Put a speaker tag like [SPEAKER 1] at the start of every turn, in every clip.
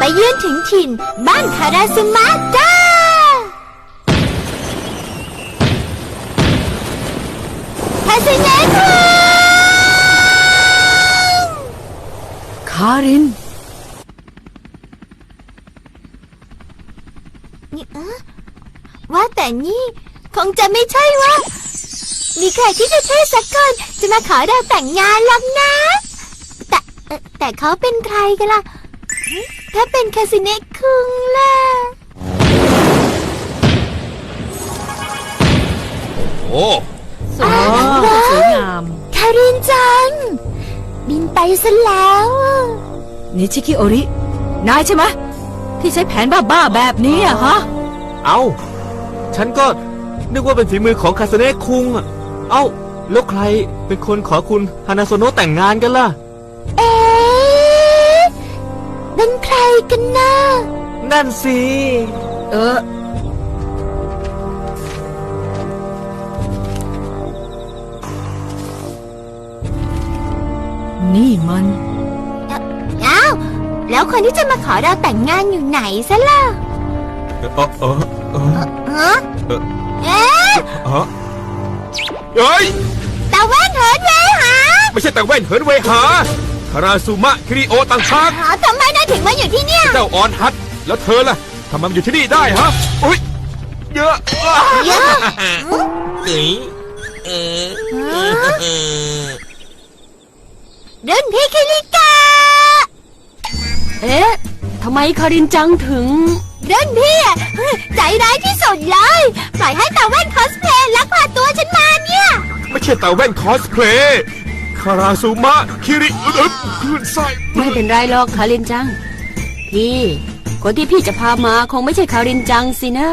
[SPEAKER 1] เยือนถึงถิ่นบ้านคาราซึมะจ้าคาซึเนะคุง
[SPEAKER 2] คาริน
[SPEAKER 1] ว่าแต่นี่คงจะไม่ใช่ว่ามีใครที่จะเท่สักคนจะมาขอเราแต่งงานหรอกนะแต่เขาเป็นใครกันล่ะถ้าเป็นคาซึเนะคุงล่ะ
[SPEAKER 3] โอ้
[SPEAKER 2] สวยงาม
[SPEAKER 1] คารินจังบินไปซะแล้ว
[SPEAKER 2] นิชิคิโอรินายใช่ไหมที่ใช้แผนบ้าๆแบบนี้อะฮะ
[SPEAKER 3] เอาฉันก็นึกว่าเป็นฝีมือของคาสเนะคุงอะเอาแล้วใครเป็นคนขอคุณฮานาโซโนะแต่งงานกันล่ะ
[SPEAKER 1] เป็นใครกันนะ
[SPEAKER 3] นั่นสิ
[SPEAKER 2] นี่มัน
[SPEAKER 1] อ้าวแล้วคนที่จะมาขอเราแต่งงานอยู่ไหนซะล่ะ
[SPEAKER 3] เฮ้ย
[SPEAKER 1] ตาแว่นเหินเวหา
[SPEAKER 3] ไม่ใช่แต่แว่นเหินเวหาคาราซุมะคิริโอต่างหาก
[SPEAKER 1] ทำไมนายถึงมาอยู่ที่เนี่ย
[SPEAKER 3] เจ้าออนฮัทแล้วเธอล่ะทำไมมาอยู่ที่นี่ได้ฮะอุ้ยเยอะ
[SPEAKER 1] รุ่นพี่คิริกา
[SPEAKER 2] ทำไมคารินจังถึง
[SPEAKER 1] รุ่นพี่ใจร้ายที่สุดเลยปล่อยให้ตาแว่นคอสเพลย์ลักพาตัวฉันมาเนี่ย
[SPEAKER 3] ไม่ใช่แต่แว่นคอสเพลย์คาราซุมะคิริคลื่นไส้
[SPEAKER 2] ไม่เป็นไรหรอกคารินจังพี่คนที่พี่จะพามาคงไม่ใช่คารินจังสินะ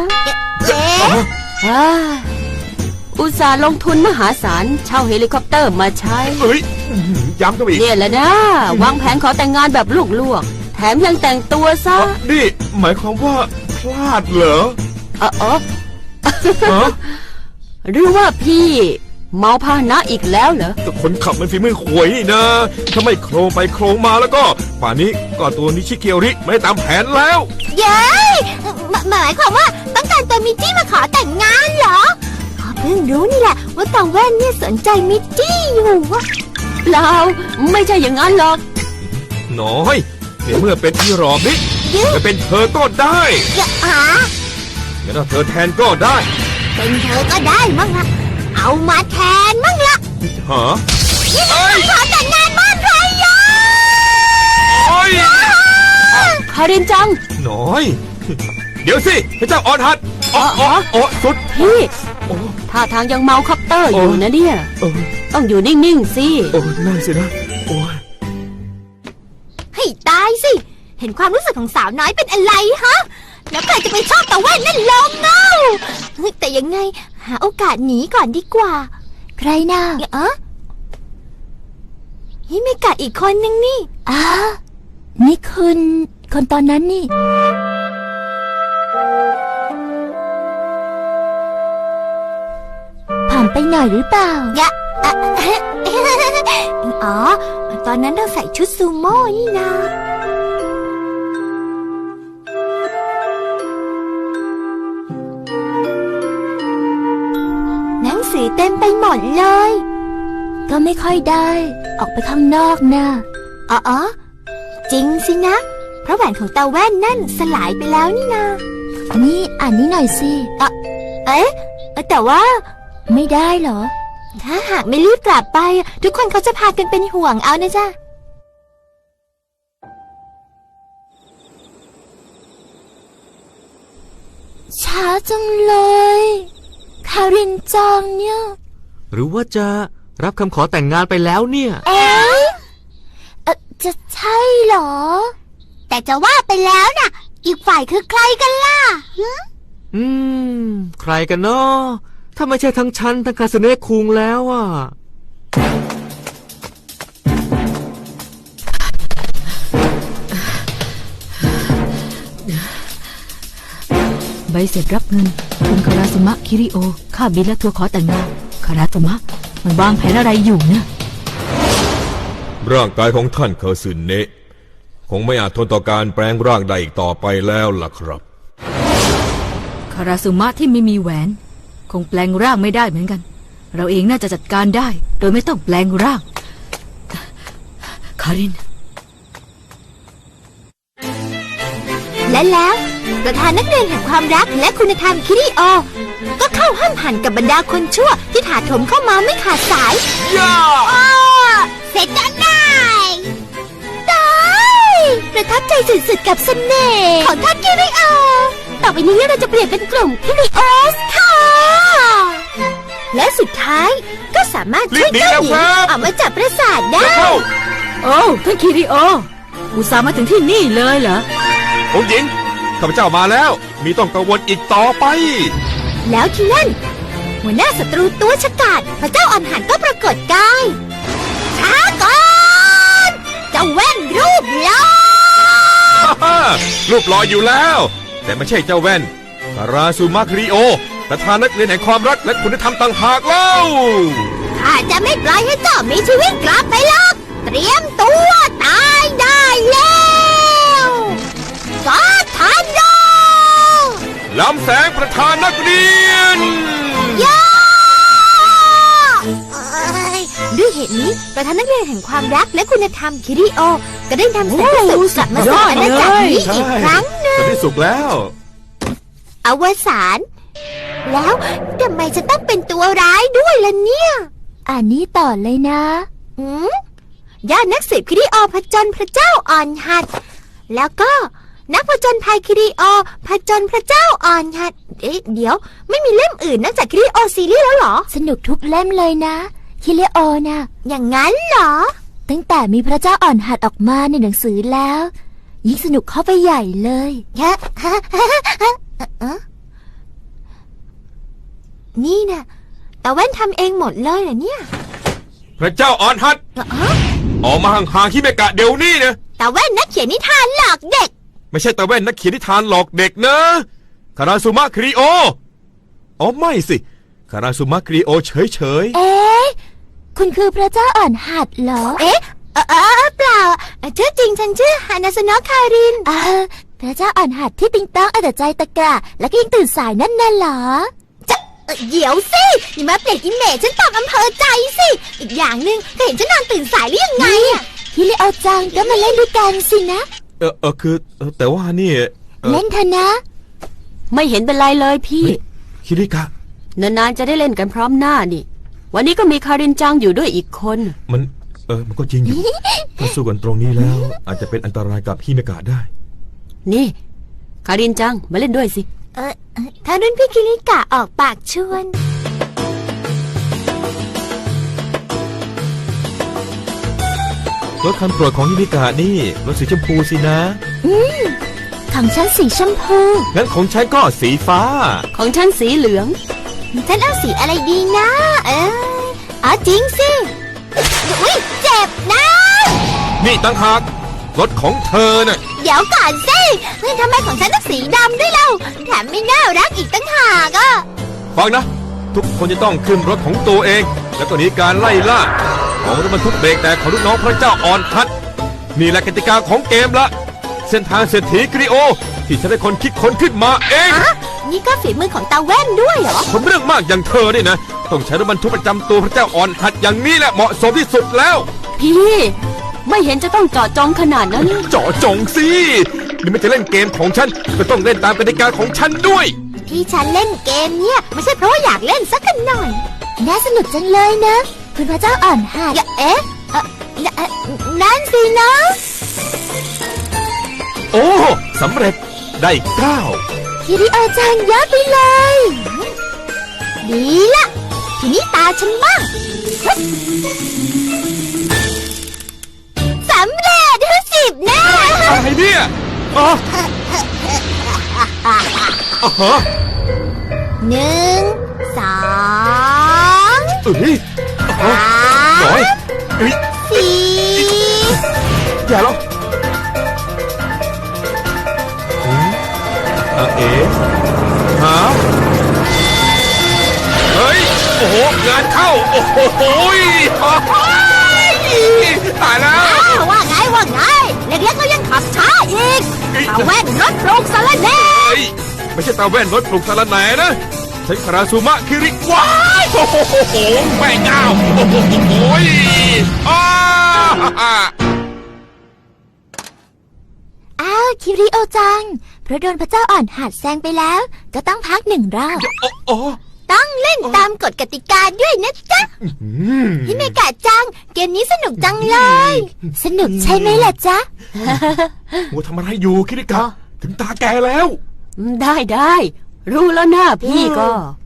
[SPEAKER 2] อุตส่าห์ลงทุนมหาศาลเช่าเฮลิคอปเตอร์มาใช้
[SPEAKER 3] ย้ำกันอีก
[SPEAKER 2] เนี่ยแหละนะวางแผนขอแต่งงานแบบลวกๆแถมยังแต่งตัวซะ
[SPEAKER 3] นี่หมายความว่าพลาดเหรอ
[SPEAKER 2] หรือว่าพี่เมาพาหนะอีกแล้วเหรอ
[SPEAKER 3] คนขับมันฝีมือข่วยนี่นะถ้าไม่โครงไปโครงมาแล้วก็ป่านนี้ก็ตัวนิชิเกียวริไม่ได้ตามแผนแล้ว
[SPEAKER 1] เย้หมายความว่าต้องการตัวมิจิมาขอแต่งงานเหรอเพิ่งรู้นี่แหละว่าตาแว่นเนี่ยสนใจมิจิอยู่วะ
[SPEAKER 2] เปล่าไม่ใช่อย่างนั้นหรอก
[SPEAKER 3] น้อยในเมื่อเป็นอีรอบนี้จะเป็นเธอก็ได้งั้นเธอแทนก็ได้
[SPEAKER 1] เป็นเธอก็ได้มั้งล่ะเอามาแทนมั้งล่ะ
[SPEAKER 3] ฮะ
[SPEAKER 1] นี่มันขอแต่งงานบ้านใครยะ
[SPEAKER 2] คารินจัง
[SPEAKER 3] น้อยเดี๋ยวสิพระเจ้าออนฮัทสุด
[SPEAKER 2] พี่ท่าทางยังเมาคอปเตอร์อยู่นะเนี่ยต้องอยู่นิ่งๆสิ
[SPEAKER 3] นั่นสินะ
[SPEAKER 1] ให้ตายสิเห็นความรู้สึกของสาวน้อยเป็นอะไรฮะแล้วใครจะไปชอบตะแว่นนั่นลงเงาแต่ยังไงหาโอกาสหนีก่อนดีกว่าใครน่ะฮิเมกะอีกคนนึงนี่นี่คนตอนนั้นนี่ผ่านไปหน่อยหรือเปล่าตอนนั้นเราใส่ชุดซูโม่นี่นะหนังสือเต็มไปหมดเลยก็ไม่ค่อยได้ออกไปข้างนอกนะจริงสินะเพราะแหวนของตาแว่นนั่นสลายไปแล้วนี่นานี่อ่านนี้หน่อยสิแต่ว่าไม่ได้เหรอถ้าหากไม่รีบกลับไปทุกคนเขาจะพากันเป็นห่วงเอานะจ๊ะช้าจังเลยคารินจังเนี่ย
[SPEAKER 3] หรือว่าจะรับคำขอแต่งงานไปแล้วเนี่ย
[SPEAKER 1] จะใช่เหรอแต่จะว่าไปแล้วน่ะอีกฝ่ายคือใครกันล่ะ
[SPEAKER 3] ใครกันเนาะถ้าไม่ใช่ทั้งฉันทั้งคาสเนะคุงแล้ว
[SPEAKER 2] ใบเสร็จรับเงินคุณคาราซุมะคิริโอค่าบินและทัวร์ขอแต่งงานคาราซุมะมันวางแผนอะไรอยู่เนี่ย
[SPEAKER 3] ร่างกายของท่านคาซึเนะ
[SPEAKER 4] คงไม่อาจทนต่อการแปลงร่างได้อีกต่อไปแล้วล่ะครับ
[SPEAKER 5] คาราซุมะที่ไม่มีแหวน คงแปลงร่างไม่ได้เหมือนกัน เราเองน่าจะจัดการได้ โดยไม่ต้องแปลงร่าง คาริน
[SPEAKER 1] และแล้วประธานนักเรียนแห่งความรักและคุณธรรมคิริโอ ก็เข้าห้ามหันกับบรรดาคนชั่วที่ถาโถมเข้ามาไม่ขาดสายย่าเสร็จแล้วนายตายประทับใจสุดๆกับเสน่ห์ของท่านคิริโอ ต่อไปนี้เราจะเปลี่ยนเป็นกลุ่มคิริโอสค่ะ และสุดท้ายก็สามารถช่วยเจ้าหญิงออกมาจากปราสาทได้
[SPEAKER 5] โอ้ท่านคิริโอ อุตส่าห์มาถึงที่นี่เลยเหรอ
[SPEAKER 4] องค์หญิงข้าพเจ้ามาแล้ว มีต้องกังวลอีกต่อไป
[SPEAKER 1] แล้วที่นั่นหัวหน้าศัตรูตัวฉกาจพระเจ้าอ่อนหันก็ปรากฏกายช้าก่อนเจ้าแว่นรูปหล่อ
[SPEAKER 4] รูปหล่ออยู่แล้ว แต่ไม่ใช่เจ้าแว่นคาราซูมาคริโอประธานนักเรียนแห่งความรักและคุณธรรมต่างหากเล่า
[SPEAKER 1] ข้าจะไม่ปล่อยให้เจ้ามีชีวิตกลับไปหรอกเตรียมตัวตายได้แล้วกอทันโด
[SPEAKER 4] ลำแสงประธานนักเรียน
[SPEAKER 1] ย่าด้วยเหตุนี้ประธานนักเรียนแห่งความรักและคุณธรรมคิริโอ ก็ได้นำแสงสุขกลับมาสู่อาณาจักรนี้อีกครั้งหนึ่ง
[SPEAKER 4] ตอนที่สุกแล้ว
[SPEAKER 1] อวสานแล้วทำไมจะต้องเป็นตัวร้ายด้วยล่ะเนี่ยอ่านนี้ต่อเลยนะย่านักสืบคิริโอผจญพระเจ้าอ่อนหัด แล้วก็นักผจญภัยคิริโอผจญพระเจ้าอ่อนหัดเดี๋ยวไม่มีเล่มอื่นนอกจากคิริโอซีรีส์แล้วเหรอสนุกทุกเล่มเลยนะคิริโอนะอย่างนั้นเหรอตั้งแต่มีพระเจ้าอ่อนหัดออกมาในหนังสือแล้วยิ่งสนุกเข้าไปใหญ่เลยนี่นะตาแว่นทำเองหมดเลยเหรอเนี่ย
[SPEAKER 4] พระเจ้าอ่อนหัดออกมาห่างๆฮิเมกะเดี๋ยวนี้นะ
[SPEAKER 1] ตาแว่นนักเขียนนิทานหลอกเด็ก
[SPEAKER 4] ไม่ใช่ตาแว่นนักเขียนนิทานหลอกเด็กนะคาราซูมะคริโออ๋อไม่สิคาราซูมะคริโอเฉย
[SPEAKER 1] เอ๊ะคุณคือพระเจ้าอ่อนหัดเหรอ เอ๊ะเปล่าชื่อจริงฉันชื่อฮานาสโนะคารินพระเจ้าอ่อนหัดที่ติงต้องเอาแต่ใจตะกะและก็ยังตื่นสายนั่นน่ะเหรอจะเดี๋ยวสิอย่ามาเปลี่ยนอิเมจฉันตามอำเภอใจสิอีกอย่างหนึ่งก็เห็นฉันนอนตื่นสายหรือยังไงอะฮิริโอจังก็มาเล่นด้วยกันสินะ
[SPEAKER 4] คือแต่ว่านี่
[SPEAKER 1] เล่นเถอะนะ
[SPEAKER 2] ไม่เห็นเป็นไรเลยพี่
[SPEAKER 4] คิริกะ
[SPEAKER 2] นานๆจะได้เล่นกันพร้อมหน้านี่ วันนี้ก็มีคารินจังอยู่ด้วยอีกคน
[SPEAKER 4] มันก็จริงอยู่ ถ้าสู้กันตรงนี้แล้ว อาจจะเป็นอันตรายกับฮิเมกะได้
[SPEAKER 2] นี่คารินจังมาเล่นด้วยสิ
[SPEAKER 1] ถ้ารุ่นพี่คิริกะออกปากชวน
[SPEAKER 4] รถคันโปรดของฮิเมกะนี่รถสีชมพูสินะ
[SPEAKER 1] ของฉันสีชมพู
[SPEAKER 4] งั้นของฉันก็สีฟ้า
[SPEAKER 2] ของฉันสีเหลือง
[SPEAKER 1] ฉันเอาสีอะไรดีนะจริงสิอุ๊ยเจ็บนะ
[SPEAKER 4] นี่ตั้งหากรถของเธอน่ะ
[SPEAKER 1] เดี๋ยวก่อนสิทำไมของฉันต้องสีดำด้วยเล่าแถมไม่น่ารักอีกตั้งหากอ่ะ
[SPEAKER 4] ฟังนะ ทุกคนจะต้องขึ้นรถของตัวเอง แล้วก็หนีการไล่ล่าของรถบรรทุกเบรกแตกของลูกน้องพระเจ้าอ่อนหัดนี่แหละกติกาของเกมละเส้นทางเศรษฐีกริโอ ที่ฉันได้คนคิดค้นขึ้นมาเอง
[SPEAKER 1] นี่ก็ฝีมือของตาแว่นด้วยเหรอ
[SPEAKER 4] คนเรื่องมากอย่างเธอเนี่ยนะต้องใช้รถบรรทุกประจำตัวพระเจ้าอ่อนหัดอย่างนี้แหละเหมาะสมที่สุดแล้ว
[SPEAKER 2] พี่ไม่เห็นจะต้องเจาะจงขนาดนั้น
[SPEAKER 4] เจาะจงสินี่ไม่จะเล่นเกมของฉันก็ต้องเล่นตามกติกาของฉันด้วย
[SPEAKER 1] ที่ฉันเล่นเกมเนี่ยไม่ใช่เพราะว่าอยากเล่นสักกันหน่อยน่าสนุกจังเลยนะคุณพระเจ้าอ่อนหัดนั่นสินะ
[SPEAKER 4] โอ้สำเร็จได้
[SPEAKER 1] คิริโอจังยอดไปเลย ดีละทีนี้ตาฉันบ้างสำเร็จ10 แน่
[SPEAKER 4] 9อะไรเนี่ยอ๋อฮะ
[SPEAKER 1] 1 2
[SPEAKER 4] น้อย
[SPEAKER 1] 4
[SPEAKER 4] อย่าหรอกเอ๋ฮะเฮ้ยโอ้โหงานเข้าโอ้โหตายแล้ว
[SPEAKER 1] ว่าไงเเล็กๆก็ยังขับช้าอีกตาแว่นรถปรุงสารแหน่
[SPEAKER 4] เฮ้ยไม่ใช่ตาแว่นรถปลุกสารแหน่นะฉันคาราซูมะคิริว้ายโอ้โหแม่เจ้าโอ้โหอ้า
[SPEAKER 1] อ้าวคิริโอจังเพราะโดนพระเจ้าอ่อนหัดแซงไปแล้ว ก็ต้องพัก1 รอบ
[SPEAKER 4] โอ้
[SPEAKER 1] ต้องเล่นตามกฎกติกาด้วยนะจ๊ะฮิเมกะจัง เกมนี้สนุกจังเลย สนุกใช่ไหมล่ะจ๊ะ
[SPEAKER 4] หัวทำอะไรอยู่คิริกะถึงตาแกแล้ว
[SPEAKER 2] ได้รู้แล้วนะพี่ก็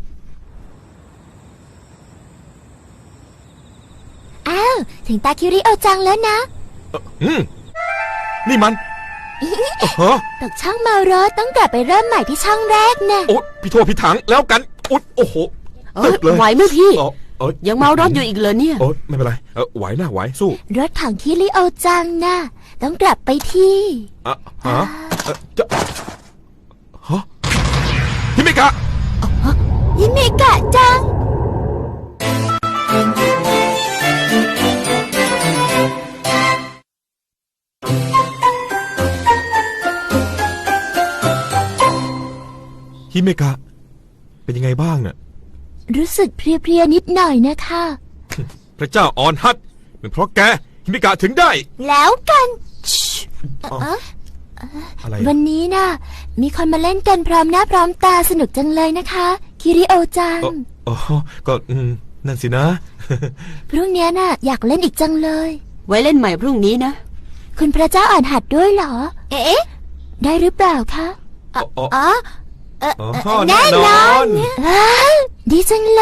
[SPEAKER 1] อ้าวถึงตาคิริโอจังแล้วนะ
[SPEAKER 4] นี่มันฮะ
[SPEAKER 1] ตกช่องเมารถต้องกลับไปเริ่มใหม่ที่ช่องแรกนะ
[SPEAKER 4] โอ้พี่โทษพี่ถังแล้วกันอุ๊ยโอ้โห ตึกเลย
[SPEAKER 2] ไหวไหมพี่
[SPEAKER 4] อ๋อ
[SPEAKER 2] ยังเมารถอยู่อีกเหรอเนี่ย
[SPEAKER 4] โอ้ไม่เป็นไรไหวนะไหวสู้
[SPEAKER 1] รถของคิริโอจังนะต้องกลับไปที่
[SPEAKER 4] ฮะจะฮะฮิเมกะ
[SPEAKER 1] ฮิเมกะจัง
[SPEAKER 4] ฮิเมกะเป็นยังไงบ้างเนี่ย
[SPEAKER 1] รู้สึกเพลียๆนิดหน่อยนะคะ
[SPEAKER 4] พระเจ้าออนฮัตเป็นเพราะแกฮิเมกะถึงได้
[SPEAKER 1] แล้วกันเอ๊ะ
[SPEAKER 4] อะไร
[SPEAKER 1] วันนี้นะมีคนมาเล่นกันพร้อมหน้าพร้อมตาสนุกจังเลยนะคะ คิริโอจัง
[SPEAKER 4] อ๋อก็นั่นสินะ
[SPEAKER 1] พรุ่งนี้น่ะอยากเล่นอีกจังเลย
[SPEAKER 2] ไว้เล่นใหม่พรุ่งนี้นะ
[SPEAKER 1] คุณพระเจ้าอ่อนหัดด้วยเหรอ เอ๊ะ ได้หรือเปล่าคะอ๋อแน่นอนดีจังเลย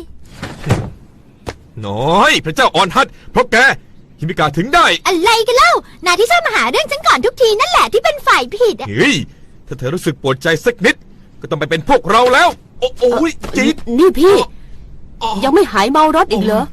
[SPEAKER 4] น้อยพระเจ้าออนฮัตเพราะแกฮิเมกะถึงได้
[SPEAKER 1] อะไรกันเล่านายที่ชอบมาหาเรื่องฉันก่อนทุกทีนั่นแหละที่เป็นฝ่ายผิดอะ
[SPEAKER 4] เฮ้ยถ้าเธอรู้สึกปวดใจสักนิด ก็ต้องไปเป็นพวกเราแล้ว โอ้ยจี๊ด
[SPEAKER 2] นี่พี่ ยังไม่หายเมารถอีกเหรอ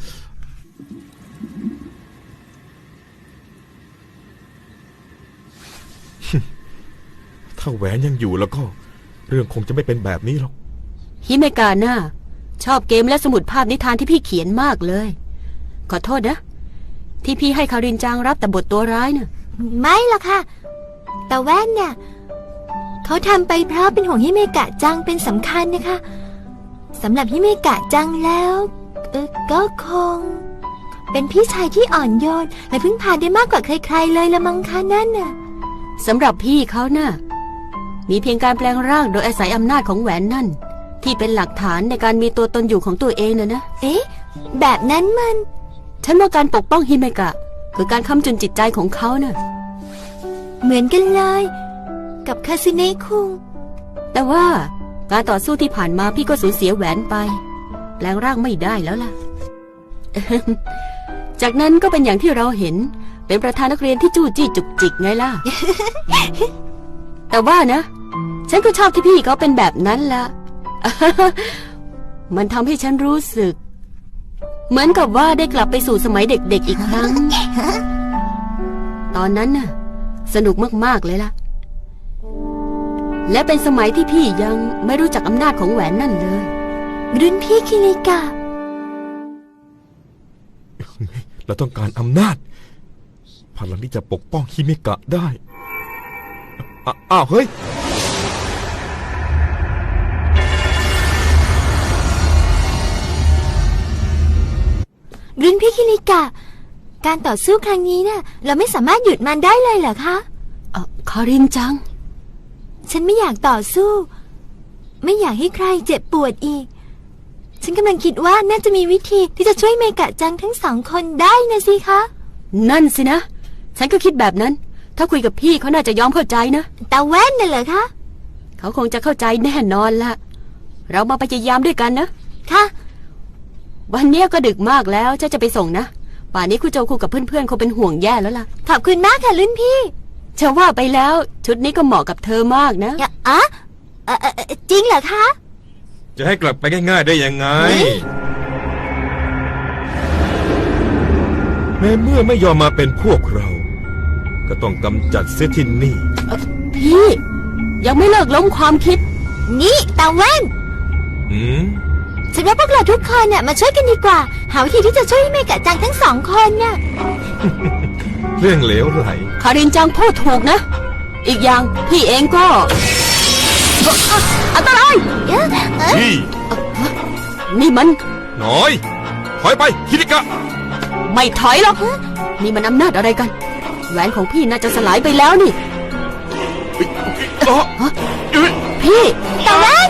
[SPEAKER 4] ถ้าแหวนยังอยู่แล้วก็ เรื่องคงจะไม่เป็นแบบนี้หรอก
[SPEAKER 2] ฮิเมกาน่าชอบเกมและสมุดภาพนิทานที่พี่เขียนมากเลย ขอโทษนะ ที่พี่ให้คารินจังรับแต่บทตัวร้ายน่ะ
[SPEAKER 1] ไม่หรอกค่ะ แต่แว่นเนี่ยเขาทำไปเพราะเป็นห่วงฮิเมกะจังเป็นสำคัญนะคะสำหรับฮิเมกะจังแล้วก็คง เป็นพี่ชายที่อ่อนโยนและพึ่งพาได้มากกว่าใครๆเลยละมั้งคะนั่นน่ะ
[SPEAKER 2] สำหรับพี่เขาน่ะมีเพียงการแปลงร่างโดยอาศัยอำนาจของแหวนนั่น ที่เป็นหลักฐานในการมีตัวตนอยู่ของตัวเองนะ
[SPEAKER 1] เอ๊ะ แบบนั้นมัน
[SPEAKER 2] ฉันว่าการปกป้องฮิเมกะคือการค้ำจุนจิตใจของเขาน่ะ
[SPEAKER 1] เหมือนกันเลย กับคาซิเนะคุง
[SPEAKER 2] แต่ว่าการต่อสู้ที่ผ่านมาพี่ก็สูญเสียแหวนไป แปลงร่างไม่ได้แล้วล่ะ จากนั้นก็เป็นอย่างที่เราเห็นเป็นประธานนักเรียนที่จู้จี้จุกจิกไงล่ะ แต่ว่านะ ฉันก็ชอบที่พี่เขาเป็นแบบนั้นละ มันทำให้ฉันรู้สึก เหมือนกับว่าได้กลับไปสู่สมัยเด็กๆอีกครั้ง ตอนนั้นน่ะ สนุกมากๆเลยล่ะ และเป็นสมัยที่พี่ยังไม่รู้จักอำนาจของแหวนนั่นเลย
[SPEAKER 1] รุ่นพี่คิริกะ
[SPEAKER 4] เราต้องการอำนาจพลังที่จะปกป้องฮิเมกะได้อ้าวเฮ้ย
[SPEAKER 1] รุ่นพี่คิริกะ การต่อสู้ครั้งนี้น่ะเราไม่สามารถหยุดมันได้เลยเหรอคะ
[SPEAKER 2] คารินจัง
[SPEAKER 1] ฉันไม่อยากต่อสู้ ไม่อยากให้ใครเจ็บปวดอีก ฉันกำลังคิดว่าน่าจะมีวิธีที่จะช่วยเมกะจังทั้ง2 คนได้นะสิคะ
[SPEAKER 2] นั่นสินะ ฉันก็คิดแบบนั้น ถ้าคุยกับพี่เขาน่าจะยอมเข้าใจนะ
[SPEAKER 1] ตาแว่นน่ะเหรอคะ
[SPEAKER 2] เขาคงจะเข้าใจแน่นอนละเรามาพยายามด้วยกันนะ
[SPEAKER 1] ค่ะ
[SPEAKER 2] วันนี้ก็ดึกมากแล้วจะไปส่งนะ ป่านนี้คุณโจคุกับเพื่อนๆคงเป็นห่วงแย่แล้วล่ะ
[SPEAKER 1] ขอบคุณมากค่ะรุ่นพี่
[SPEAKER 2] เชื่อว่าไปแล้ว ชุดนี้ก็เหมาะกับเธอมากนะ
[SPEAKER 1] จริงเหรอคะ
[SPEAKER 4] จะให้กลับไปง่ายๆได้ยังไง แม้เมื่อไม่ยอมมาเป็นพวกเรา ก็ต้องกำจัดเสียที่นี่
[SPEAKER 2] พี่ ยังไม่เลิกล้มความคิด
[SPEAKER 1] นี่ตาแว่น ฉันว่าพวกเราทุกคนเนี่ยมาช่วยกันดีกว่า หาวิธีที่จะช่วยให้เมกะจังทั้ง2 คนน่ะ
[SPEAKER 4] เรื่องเหลวไหล
[SPEAKER 2] คารินจังพูดถูกนะ อีกอย่างพี่เองก็อันตราย
[SPEAKER 4] นี่
[SPEAKER 2] นี่มัน
[SPEAKER 4] น้อยถอยไปคิริกะ
[SPEAKER 2] ไม่ถอยหรอกนี่มันอำนาจอะไรกัน แหวนของพี่น่าจะสลายไปแล้วนี่
[SPEAKER 4] อ๋อเอ้ย
[SPEAKER 2] พี่
[SPEAKER 1] ตะแว่น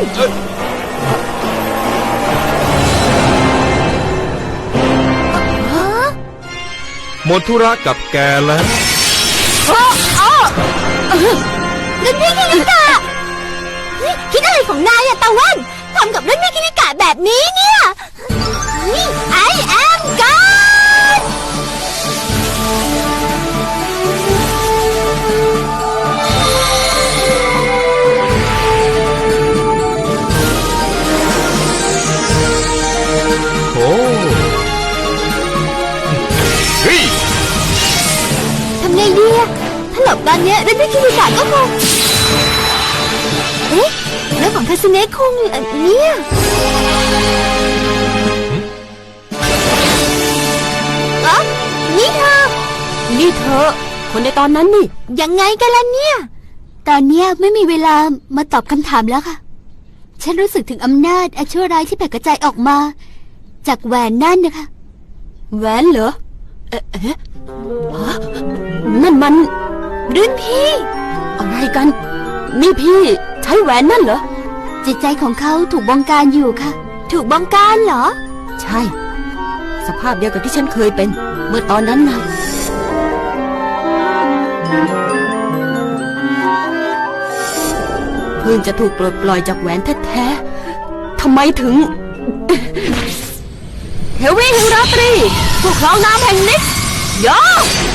[SPEAKER 4] หมดธุระกับแกแล้ว
[SPEAKER 1] รุ่นพี่คิริกะเฮ้ยคิดอะไรของนายอะตะแว่นทำกับรุ่นพี่คิริกะแบบนี้เนี่ยไอแอมก็อด
[SPEAKER 4] โอ้เฮ้ย
[SPEAKER 1] ทำไงดีอะถ้าหลบตอนเนี้ยรุ่นพี่คิริกะก็คงเอ๊ะเรื่องของคาสเนะคุงเนี่ยเอ๋อนี่เธอ
[SPEAKER 2] นี่เธอ คนในตอนนั้นนี่
[SPEAKER 1] ยังไงกันล่ะเนี่ย ตอนเนี้ยไม่มีเวลามาตอบคำถามแล้วค่ะ ฉันรู้สึกถึงอำนาจอันชั่วร้ายที่แผ่กระจายออกมา จากแหวนนั่นนะคะ
[SPEAKER 2] แหวนเหรอ ฮะนั่นมัน
[SPEAKER 1] รุ่นพี่
[SPEAKER 2] อะไรกัน นี่พี่ใช้แหวนนั่นเหรอ
[SPEAKER 1] จิตใจของเขาถูกบงการอยู่ค่ะ ถูกบงการเหรอ
[SPEAKER 2] ใช่ สภาพเดียวกับที่ฉันเคยเป็น เมื่อตอนนั้นไงเพิ่งจะถูกปลดปล่อยจากแหวนแท้ๆทำไมถึง เฮวี่แห่งราตรีผู้ครองน้ำแห่งนิสยอ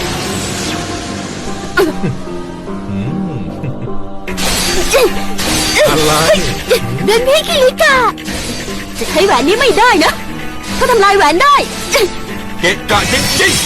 [SPEAKER 4] อะไร
[SPEAKER 1] รุ่นพี่คิริกะ
[SPEAKER 2] จะใช้แหวนนี้ไม่ได้นะถ้าทำลายแหวนได้
[SPEAKER 4] เกะกะจริง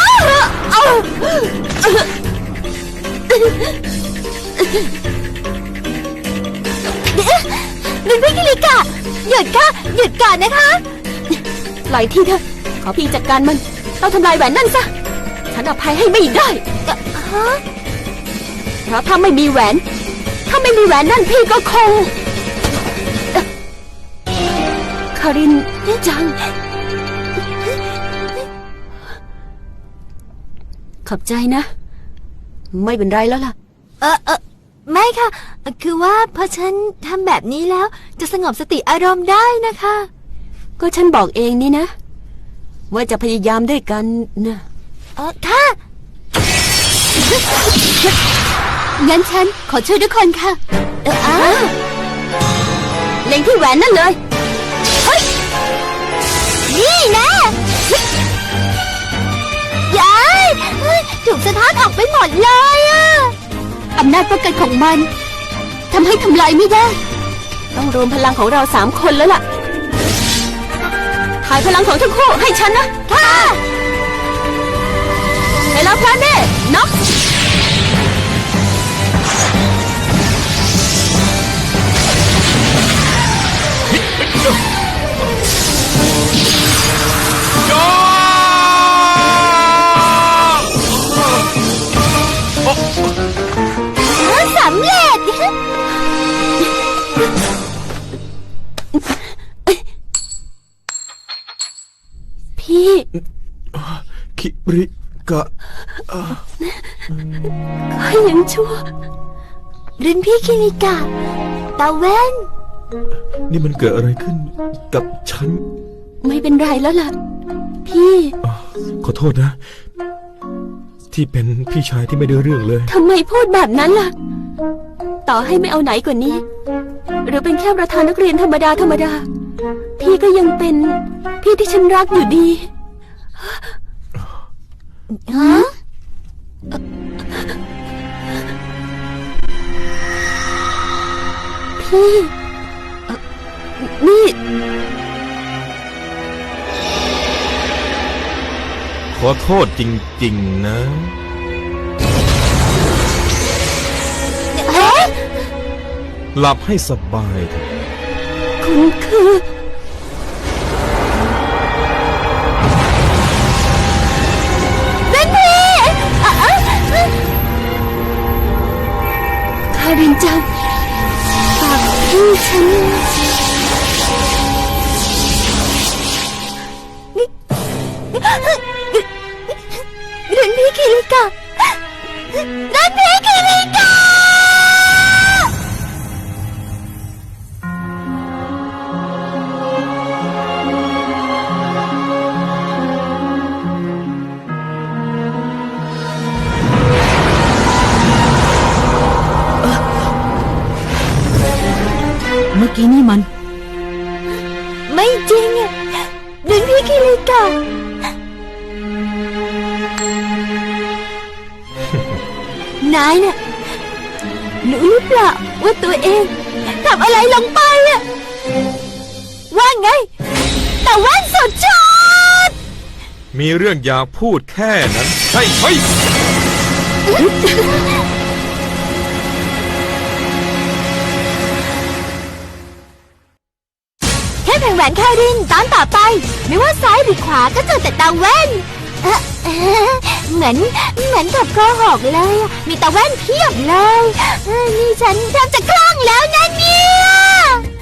[SPEAKER 1] รุ่นพี่คิริกะ หยุดค่ะ หยุดก่อนนะคะ
[SPEAKER 2] ปล่อยทีเถอะขอพี่จัดการมันต้องทำลายแหวนนั่นซะ ฉันอภัยให้ไม่ได้
[SPEAKER 1] ฮะ
[SPEAKER 2] เพราะถ้าไม่มีแหวน ถ้าไม่มีแหวนนั่นพี่ก็คงคารินจัง ขอบใจนะ ไม่เป็นไรแล้วล่ะ
[SPEAKER 1] ไม่ค่ะ คือว่าพอฉันทำแบบนี้แล้ว จะสงบสติอารมณ์ได้นะคะ
[SPEAKER 2] ก็ฉันบอกเองนี่นะ ว่าจะพยายามด้วยกันนะ
[SPEAKER 1] ค่ะ งั้นฉันขอช่วยทุกคนค่ะ
[SPEAKER 2] เล็งที่แหวนนั่นเลย
[SPEAKER 1] นี่นะย้ายถูกสะท้อนออกไปหมดเลยอะอำนาจป้องกันของมันทำให้ทำลายไม่ได้
[SPEAKER 2] ต้องรวมพลังของเรา3 คนแล้วล่ะ ถ่ายพลังของทั้งคู่ให้ฉันนะ
[SPEAKER 1] ค่ะ
[SPEAKER 2] เฮลาพลาเน่น็อก
[SPEAKER 4] ๆยอ
[SPEAKER 1] สำเร็จ
[SPEAKER 2] พี่
[SPEAKER 4] คิริกะ
[SPEAKER 2] ข้ายังชั่ว
[SPEAKER 1] รุ่นพี่คิริกะ ตาแว่น
[SPEAKER 4] นี่มันเกิดอะไรขึ้นกับฉัน
[SPEAKER 2] ไม่เป็นไรแล้วล่ะ พี่
[SPEAKER 4] ขอโทษนะ ที่เป็นพี่ชายที่ไม่ได้เรื่องเลย
[SPEAKER 2] ทำไมพูดแบบนั้นล่ะ ต่อให้ไม่เอาไหนกว่านี้ หรือเป็นแค่ประธานนักเรียนธรรมดาธรรมดา พี่ก็ยังเป็นพี่ที่ฉันรักอยู่ดี
[SPEAKER 1] ฮะ
[SPEAKER 2] พี่นี่
[SPEAKER 4] ขอโทษจริงๆนะ
[SPEAKER 1] เอ๊ะ
[SPEAKER 4] หลับให้สบายเถอะ
[SPEAKER 2] คุณคือ
[SPEAKER 1] รุ่นพี่ารินจังฝากพี่ฉันรุ่นพี่คิริกะรุ่นพี่คิริกะ
[SPEAKER 5] เมื่อกี้นี่มัน
[SPEAKER 1] ไม่จริงอะรุ่นพี่คิริกะ นายน่ะรู้หรือเปล่าว่าตัวเองทำอะไรลงไปอะว่าไง แต่ว่านสุดชอด
[SPEAKER 4] มีเรื่องอยากพูดแค่นั้นใช่ไหม
[SPEAKER 1] แค่แผงแหวนคารินตอนต่อไป ไม่ว่าซ้ายหรือขวาก็เจอแต่ตาแว่นเหมือนกับโกหกเลยอะมีตาแว่นเพียบเลยนี่ฉันแทบจะคลั่งแล้วนะเนี่ย